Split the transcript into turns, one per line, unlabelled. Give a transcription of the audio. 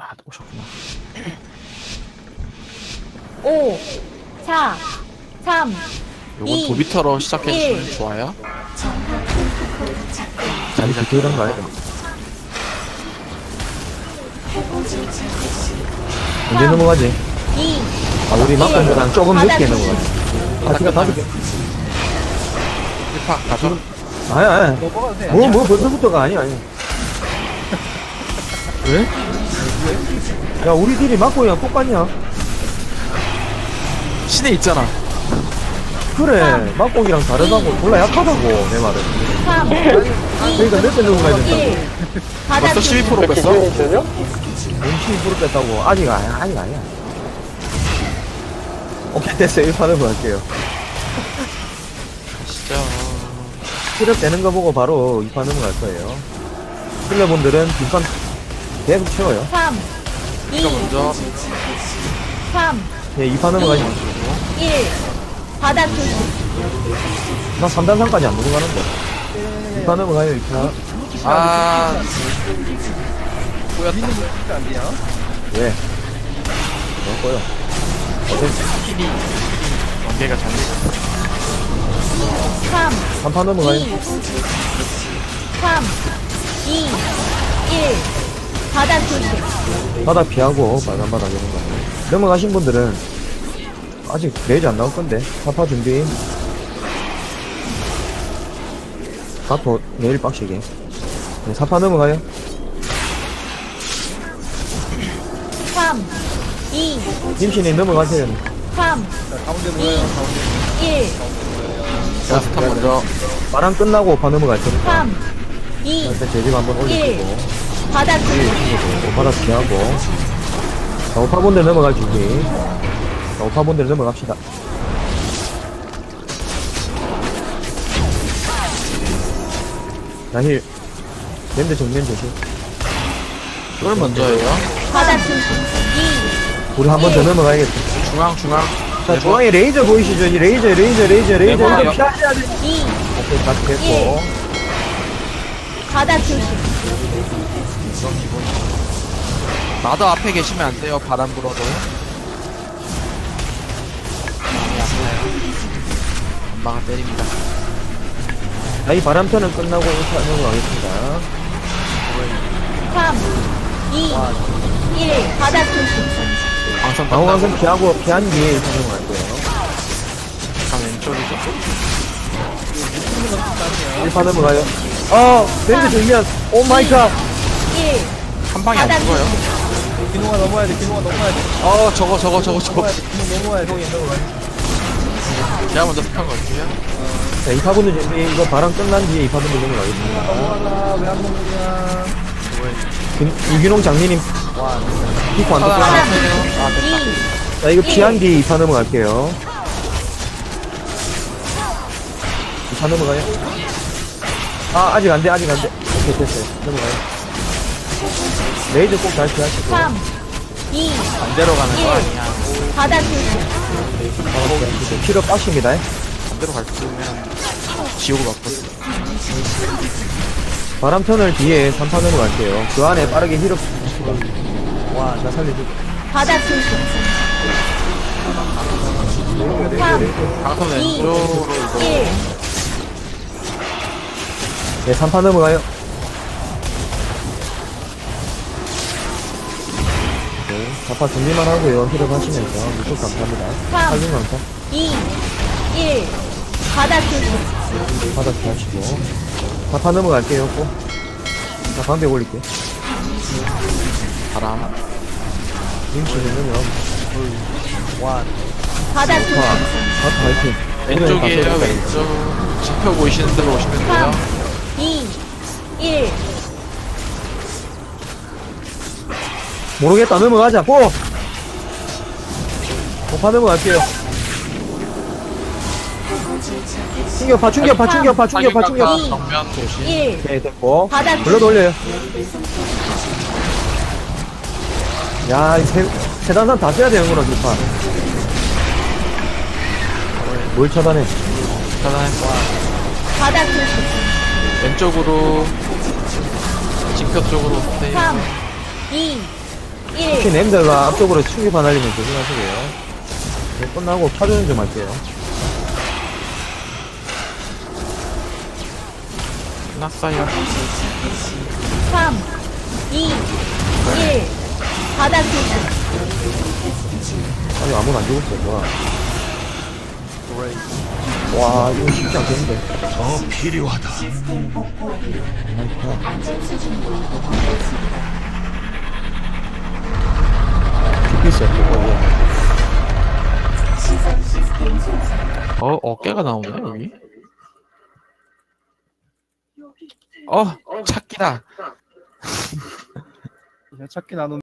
오셨구나.
5, 4, 3,
요건
2,
도비터로 시작해주시면
1.
좋아요.
자리 잡혀 이런 거 아니야? 언제 넘어가지?
2,
아, 우리 막간보다는 조금 늦게 넘어가지. 파티가
끝나면.
5개.
1파 가죠.
아니야, 아니야. 뭐, 벌써부터가 아니야.
왜?
야, 우리 딜이 막고이랑 똑같냐?
신에 있잖아.
그래, 막고기랑 다르다고. 졸라 약하다고, 내 말은.
3, 2,
그러니까 몇 대 넘어가야 된다고.
1.
벌써 12% 뺐어?
음식이 부르 뺐다고. 아직 아니야, 아직 아니야. 오케이, 됐어요. 1판을 할게요.
진짜.
실업 되는 거 보고 바로 2판 넘어갈 거예요. 킬러분들은 2판 계속 채워요.
3, 2,
이거 먼저
3,
네, 2판 넘어가지 마.
1. 바닥 조심.
나 3단상까지 안 넘어가는데. 2판 넘어가요, 2판.
아 꼬였다.
왜? 먹어요.
관계가 잘못됐어.
3,
3판 넘어가요.
2, 3, 2, 1. 바닥 조심.
바닥 피하고 빨간 바닥 이런 거. 넘어가신 분들은 아직 레이저 안 나올 건데. 사파 준비. 가토 내일 빡시게. 네, 4파 넘어가요.
3, 2,
김신이 넘어가세요.
3,
가운데
2,
모여요, 가운데.
1.
자, 스탑 먼저.
바람 끝나고 5파 넘어갈 테니까.
3, 2,
일단 제집 한번 올리시고.
바닥 조심.
바닥 피하고. 자, 5파분들 넘어갈 준비. 자, 5파분들 넘어갑시다. 자, 힐. 랜드 정면 조심.
이걸 먼저예요.
바닥 조심. 2,
우리 한 번 더 넘어가야겠다.
중앙.
자, 중앙에 레이저 보이시죠? 이 레이저.
네,
이거
봐요.
피하셔야 돼.
2,
오케이, 다 됐고.
바닥 조심.
나도 앞에 계시면 안 돼요. 바람 불어도. 엄마가 때립니다.
자, 이 바람편은 끝나고 인사 넘어가겠습니다.
3, 2, 1. 바닥 조심.
방선
방어강선
떴다고.
피하고, 피한 뒤에 인사 넘어갈 거예요.
약간 왼쪽이죠?
1파 넘어가요. 랜드 정면. 오 마이 갓.
1.
한 방에 안
바닥
죽어요.
기노가 넘어야 돼, 기노가 넘어야 돼.
저거.
넘어야 돼, 기노 넘어야 돼.
제가 먼저 스탑 걸게요.
자, 2파분들 준비. 이거 바람 끝난 뒤에 2파분들 넘어가겠습니다.
넘어가라, 왜안 넘어가냐.
유기농 장님님. 피코 안
하나,
떴어요.
하나, 됐다.
2,
자, 이거 피한 뒤에 2파 넘어갈게요. 2파 넘어가요. 아직 안 돼. 오케이, 됐어요. 넘어가요. 레이저 꼭 잘 피하시고.
3, 2,
반대로 가는 거 아니야.
바닥 조심.
피로 빠십니다.
반대로 갈 거면 지옥을 맛봤어.
바람턴을 뒤에 3파 넘어갈게요. 그 안에 빠르게 힐업. 와, 나 살려줄게.
바닥 조심. 3,
방선
2,
왼쪽으로 이거.
1.
네, 3파 넘어가요. 네, 4파 준비만 하고요. 힐업 하시면서. 무척 감사합니다.
3,
살림 감사.
2, 1. 바닥 조심.
바닥 피하시고. 4파 넘어갈게요, 꼭. 자, 방벽 올릴게요.
바람.
임시는 넘어가고.
바닥 조심.
4파 화이팅.
왼쪽이에요, 왼쪽. 지표 보이시는 대로 오시면 돼요.
3, 2, 1.
모르겠다, 넘어가자, 고! 5파 넘어갈게요. 충격파.
정면 조심.
1.
오케이, 됐고.
바닥
불러 돌려요. 야, 이 세단산 다 써야 되는구나, 2파. 뭘 차단해?
차단했고.
바닥 조심.
왼쪽으로 지표 쪽으로 오세요.
3, 2,
특히 냄새가 앞쪽으로 충격파 날리면 조심하시고요. 네, 끝나고 차주는 좀 할게요.
끝났어요.
3, 2, 1. 바닥 조심.
아직 아무도 안 죽었어. 좋아. 와, 이거 쉽지 않겠는데.
더 필요하다.
죽겠어.
어깨가 나오네, 여기. 찾기다.
찾기 나누